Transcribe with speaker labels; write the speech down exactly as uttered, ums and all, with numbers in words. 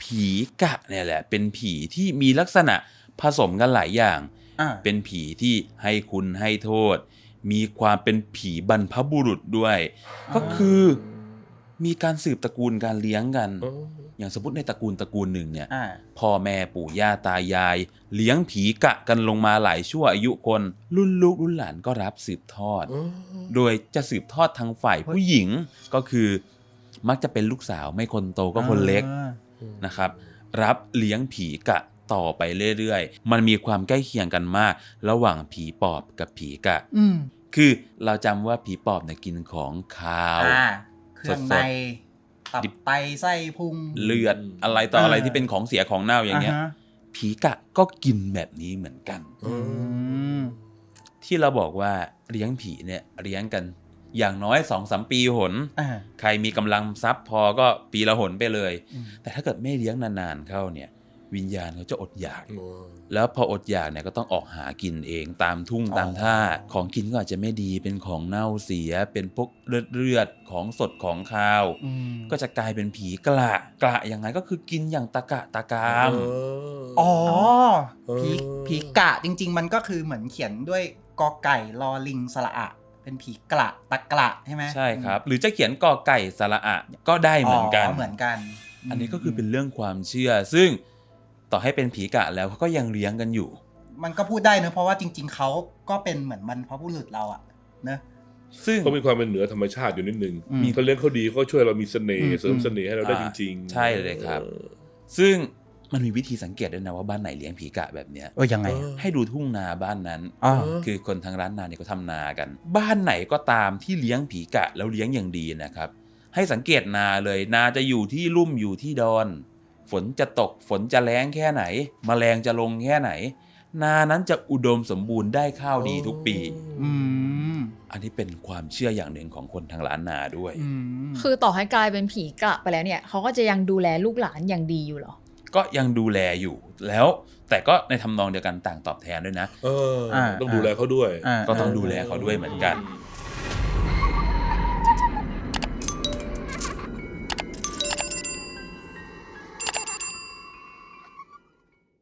Speaker 1: ผีกะเนี่ยแหละเป็นผีที่มีลักษณะผสมกันหลายอย่างเป็นผีที่ให้คุณให้โทษมีความเป็นผีบรรพบุรุษด้วยก็คือมีการสืบตระกูลการเลี้ยงกันอย่างสมมติในตระกูลตระกูลหนึ่งเนี่ยพ่อแม่ปู่ย่าตายายเลี้ยงผีกะกันลงมาหลายชั่วอายุคนรุ่นลูกรุ่นหลานก็รับสืบทอดโดยจะสืบทอดทางฝ่ายผู้หญิงก็คือมักจะเป็นลูกสาวไม่คนโตก็คนเล็กนะครับรับเลี้ยงผีกะต่อไปเรื่อยๆมันมีความใกล้เคียงกันมากระหว่างผีปอบกับผีกะคือเราจำว่าผีปอบเนี่ยกินของคาว
Speaker 2: เครื่องในตับไตไส้พุง
Speaker 1: เลือดอะไรต่ออะไรที่เป็นของเสียของเน่าอย่างเงี้ยผีกะก็กินแบบนี้เหมือนกันที่เราบอกว่าเลี้ยงผีเนี่ยเลี้ยงกันอย่างน้อย สองถึงสาม ปีหนใครมีกำลังทรัพย์พอก็ปีละหนไปเลยแต่ถ้าเกิดไม่เลี้ยงนานๆเข้าเนี่ยวิญญาณเขาจะอดอยากแล้วพออดอยากเนี่ยก็ต้องออกหากินเองตามทุ่งตามท่าของกินก็อาจจะไม่ดีเป็นของเน่าเสียเป็นพวกเลือดเลือดของสดของคาวก็จะกลายเป็นผีกระกระยังไงก็คือกินอย่างตะกะตะกาม
Speaker 2: อ๋อผีผีกะจริงๆมันก็คือเหมือนเขียนด้วยกอไก่ลอลิงสระอะเป็นผีกระตะกระใช่ไหม
Speaker 1: ใช่ครับหรือจะเขียนกอไก่สระอะก็ได้เหมือนกัน
Speaker 2: เหมือนกัน
Speaker 1: อันนี้ก็คือเป็นเรื่องความเชื่อซึ่งต่อให้เป็นผีกะแล้วเขาก็ยังเลี้ยงกันอยู่
Speaker 2: มันก็พูดได้เนอะเพราะว่าจริงๆเขาก็เป็นเหมือนบรรพบุรุษเราอะเนอะ
Speaker 3: ซึ่งเขามีความเป็นเหนือธรรมชาติอยู่นิดนึงเขาเลี้ยงเขาดีเขาช่วยเรามีเสน่ห์เสริมเสน่ห์ให้เราได้จริง
Speaker 1: ๆใช่เลยครับซึ่งมันมีวิธีสังเกตด้วยนะว่าบ้านไหนเลี้ยงผีกะแบบเนี้ย
Speaker 2: เออยังไง
Speaker 1: ให้ดูทุ่งนาบ้านนั้นคือคนทางร้านนาเนี่ยเขาทำนากันบ้านไหนก็ตามที่เลี้ยงผีกะแล้วเลี้ยงอย่างดีนะครับให้สังเกตนาเลยนาจะอยู่ที่ลุ่มอยู่ที่ดอนฝนจะตกฝนจะแล้งแค่ไหนแมลงจะลงแค่ไหนนานั้นจะอุดมสมบูรณ์ได้ข้าวดีทุกปีอืมอันนี้เป็นความเชื่ออย่างหนึ่งของคนทางล้านนาด้วย
Speaker 4: คือต่อให้กลายเป็นผีกะไปแล้วเนี่ยเขาก็จะยังดูแลลูกหลานอย่างดีอยู่หรอ
Speaker 1: ก็ยังดูแลอยู่แล้วแต่ก็ในทำนองเดียวกันต่างตอบแทนด้วยนะ
Speaker 3: เออต้องดูแลเขาด้วย
Speaker 1: ก็ต้องดูแลเขาด้วยเหมือนกัน